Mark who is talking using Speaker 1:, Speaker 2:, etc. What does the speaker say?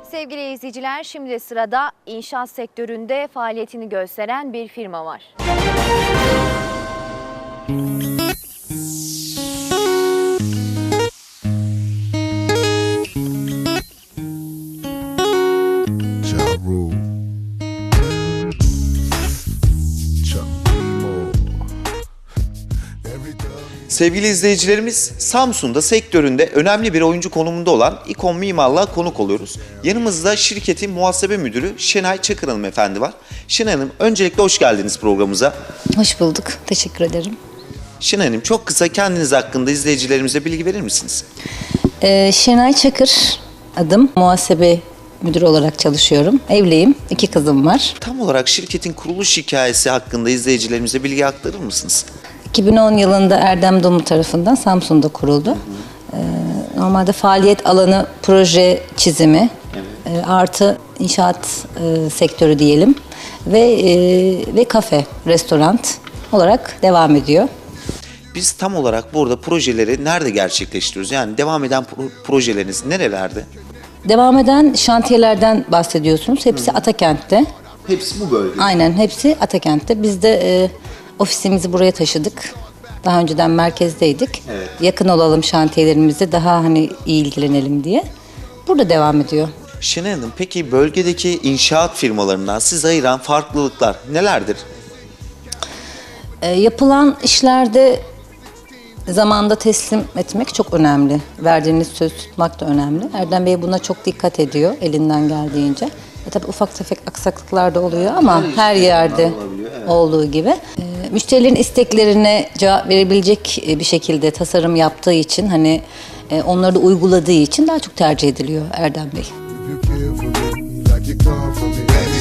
Speaker 1: Sevgili izleyiciler, şimdi de sırada inşaat sektöründe faaliyetini gösteren bir firma var.
Speaker 2: Sevgili izleyicilerimiz, Samsun'da sektöründe önemli bir oyuncu konumunda olan İKON Mimarlığa konuk oluyoruz. Yanımızda şirketin muhasebe müdürü Şenay Çakır Hanım efendi var. Şenay Hanım, öncelikle hoş geldiniz programımıza.
Speaker 3: Hoş bulduk. Teşekkür ederim.
Speaker 2: Şenay Hanım, çok kısa kendiniz hakkında izleyicilerimize bilgi verir misiniz?
Speaker 3: Şenay Çakır adım. Muhasebe müdürü olarak çalışıyorum. Evliyim. 2 kızım var.
Speaker 2: Tam olarak şirketin kuruluş hikayesi hakkında izleyicilerimize bilgi aktarır mısınız?
Speaker 3: 2010 yılında Erdem Dumlu tarafından Samsun'da kuruldu. Normalde faaliyet alanı proje çizimi, artı inşaat sektörü diyelim ve kafe, restoran olarak devam ediyor.
Speaker 2: Biz tam olarak burada projeleri nerede gerçekleştiriyoruz? Yani devam eden projeleriniz nerelerde?
Speaker 3: Devam eden şantiyelerden bahsediyorsunuz. Hepsi Atakent'te.
Speaker 2: Hepsi bu bölgede.
Speaker 3: Aynen, hepsi Atakent'te. Biz de ofisimizi buraya taşıdık. Daha önceden merkezdeydik.
Speaker 2: Evet.
Speaker 3: Yakın olalım şantiyelerimizde, daha hani iyi ilgilenelim diye. Burada devam ediyor.
Speaker 2: Şenay Hanım, peki bölgedeki inşaat firmalarından sizi ayıran farklılıklar nelerdir?
Speaker 3: Yapılan işlerde zamanda teslim etmek çok önemli. Verdiğiniz söz tutmak da önemli. Erdem Bey buna çok dikkat ediyor elinden geldiğince. Tabii ufak tefek aksaklıklar da oluyor ama her yerde olduğu gibi. Müşterilerin isteklerine cevap verebilecek bir şekilde tasarım yaptığı için, hani onları da uyguladığı için daha çok tercih ediliyor Erdem Bey.